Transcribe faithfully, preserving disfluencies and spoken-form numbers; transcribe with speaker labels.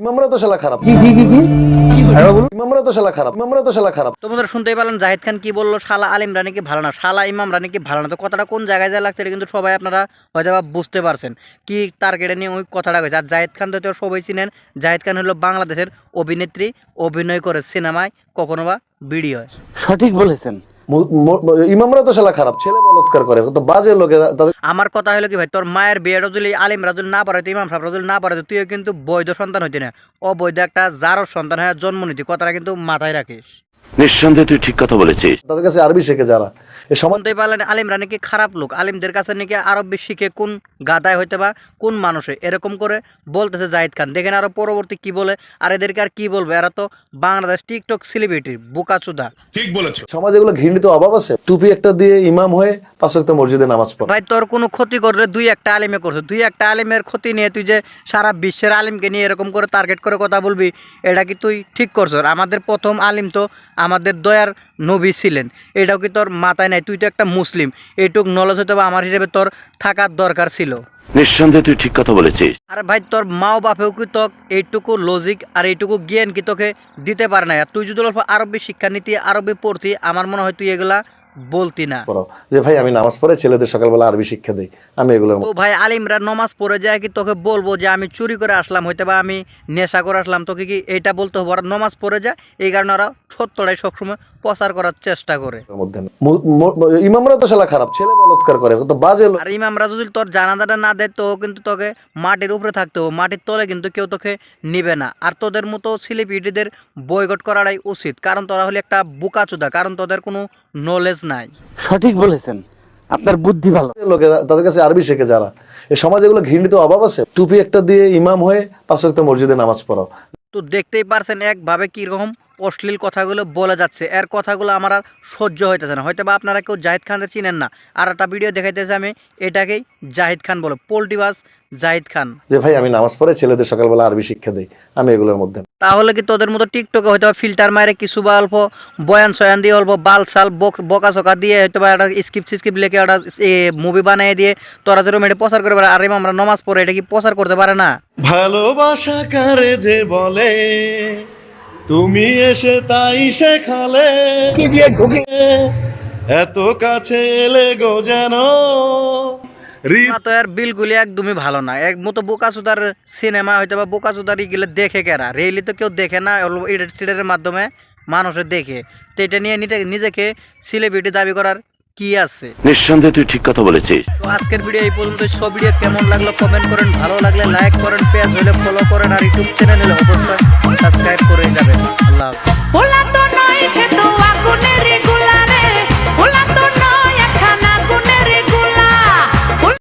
Speaker 1: ইমামরা তো শালা খারাপ। ইমামরা তো শালা খারাপ। ইমামরা তো শালা খারাপ।
Speaker 2: তোমাদের শুনতেই পেলেন জাহিদ খান কি বললো, শালা আলিমরা নাকি ভালো না, শালা ইমামরা নাকি ভালো না। তো কথাটা কোন জায়গায় যা লাগছে এটা কিন্তু সবাই আপনারা হয়তো বা বুঝতে পারছেন কি টার্গেটে নিয়ে ওই কথাটা কইছে। আর জাহিদ খান তো সবাই চিনেন, জাহিদ খান হলো বাংলাদেশের অভিনেত্রী, অভিনয় করে সিনেমায়, কখনো বা ভিডিওয়।
Speaker 3: সঠিক বলেছেন।
Speaker 1: ইমামরা তো শালা খারাপ, ছেলে বলৎকার করে, তো বাজে লোকে তাদের।
Speaker 2: আমার কথা হলো কি ভাই, তোর মায়ের বিয়েটা যদি আলিম রাজুল না পারে, ইমাম সাহেব রাজুল না পারে, তুইও কিন্তু বৈধ সন্তান হইতে না, অবৈধ একটা জারর সন্তান হয়ে জন্ম নিতি। কথাটা কিন্তু মাথায় রাখিস।
Speaker 4: নিঃসন্দেহে তুই ঠিক কথা বলেছিস।
Speaker 1: তাদের কাছে আরবি শেখে যারা এই সমাজ।
Speaker 2: শুনতেই পারলেন আলিমরা নাকি খারাপ লোক, আলিমদের কাছে নাকি আরবি শিখে কোন গাদায় হইতে বা কোন মানুষে এরকম করে বলতেছে জাহিদ খান। দেখেন আরো পরবর্তী কি বলে। আর এদেরকে আর কি বলবে, এরা তো বাংলাদেশ টিকটক সেলিব্রিটি বোকাচুদা।
Speaker 5: ঠিক বলেছো।
Speaker 1: সমাজে এগুলো ঘৃণিত অভাব আছে। টুপি একটা দিয়ে ইমাম হয়ে পাঁচ ওয়াক্ত মসজিদে নামাজ পড়ে।
Speaker 2: ভাই তোর কোনো ক্ষতি করলে দুই একটা আলিমে করছে, দুই একটা আলিমের ক্ষতি নিয়ে তুই যে সারা বিশ্বের আলিমকে নিয়ে এরকম করে টার্গেট করে কথা বলবি, এটা কি তুই ঠিক করছ? আমাদের প্রথম আলিম তো আমাদের দয়ার নবী ছিলেন, এটাও কি তোর মাথায় নাই? তুই তো একটা মুসলিম, এইটুক নলেজ হয়তো বা আমার হিসেবে তোর থাকার দরকার ছিল।
Speaker 4: নিঃসন্দেহে তুই ঠিক কথা বলেছিস।
Speaker 2: আর ভাই তোর মাও বাপেও কি তোক এইটুকু লজিক আর এইটুকু জ্ঞান কি তোকে দিতে পারে না? আর তুই যদি অল্প আরবি শিক্ষানীতি আরবি পড়তি, আমার মনে হয় তুই এগুলা বলতি না।
Speaker 1: যে ভাই আমি নামাজ পড়ে ছেলেদের সকালবেলা আরবি শিক্ষা দেই, আমি এগুলোর
Speaker 2: তো ভাই আলিমরা নমাজ পড়ে যায় কি তোকে বলবো যে আমি চুরি করে আসলাম, হয়তো বা আমি নেশা করে আসলাম, তোকে কি এইটা বলতে হবে? ওরা নমাজ পড়ে যায়, এই কারণে ওরা সত্যটাই সবসময় প্রচার করার চেষ্টা করে।
Speaker 1: মধ্যে ইমামরা তো শালা খারাপ, ছেলে বলৎকার করে, তো বাজে লোক।
Speaker 2: আর ইমামরা যদি তোর জানাজাটা না দেয় তো কিন্তু তোকে মাটির উপরে থাকতে হবে, মাটির তলে কিন্তু কেউ তোকে নিবে না। আর তোদের মতো সেলিব্রিটিদের বয়কট করাটাই উচিত, কারণ তোরা হলে একটা বোকাচোদা, কারণ তোদের কোনো নলেজ নাই।
Speaker 3: সঠিক বলেছেন, আপনার বুদ্ধি ভালো।
Speaker 1: লোকে তাদের কাছে আরবি শেখে যারা এই সমাজে এগুলো ঘৃণিত অভাব আছে। টুপি একটা দিয়ে ইমাম হয়ে পাঁচ ওয়াক্ত মসজিদে নামাজ পড়াও।
Speaker 2: তো দেখতেই পারছেন একভাবে কীরকম অশ্লীল কথাগুলো বলে যাচ্ছে। এর কথাগুলো আমার আর সহ্য হইতেছে না। হয়তো বা আপনারা কেউ জাহিদ খানকে চিনেন না, আর একটা ভিডিও দেখাইতেছে আমি, এটাকেই জাহিদ খান বলে, পোল্টিবাস জাহিদ খান।
Speaker 1: যে ভাই আমি নামাজ পড়ে ছেলেদের সকালবেলা আরবি শিক্ষা দেই, আমি এগুলোর মধ্যে।
Speaker 2: তাহলে কি তোদের মতো টিকটকে হয়তো ফিল্টার মারে কিছু বা অল্প বয়ান সয়ান দিয়ে, অল্প বাল সাল বকা চকা দিয়ে, হয়তো বা একটা স্ক্রিপ্ট স্ক্রিপ্ট লিখে একটা মুভি বানিয়ে দিয়ে তোরা যেরকম এটা প্রচার করে পারে, আর আমরা নমাজ পড়ে এটা কি প্রচার করতে পারে না?
Speaker 6: ভালোবাসা কারে যে বলে, তুমি এসে তাই শেখালে, এত কাছে এলে গো যেন।
Speaker 2: তো এর বিলগুলি একদমই ভালো না। এক মতো বোকাচোদার সিনেমা হয়তো বা বোকাচোদার ইগুলো দেখে কেরা, রেলি তো কেউ দেখে না, এডিট সিডের মাধ্যমে মানুষের দেখে। তো এটা নিয়ে নিজেকে সেলিব্রিটি দাবি করার কি আছে?
Speaker 4: নিঃসন্দেহে তুই ঠিক কথা বলেছিস।
Speaker 2: তো আজকের ভিডিও এই পর্যন্ত। সব ভিডিও কেমন লাগলো কমেন্ট করেন, ভালো লাগলে লাইক করেন, পেজ হলে ফলো করেন, আর ইউটিউব চ্যানেল হলে অবশ্যই সাবস্ক্রাইব করে যাবেন।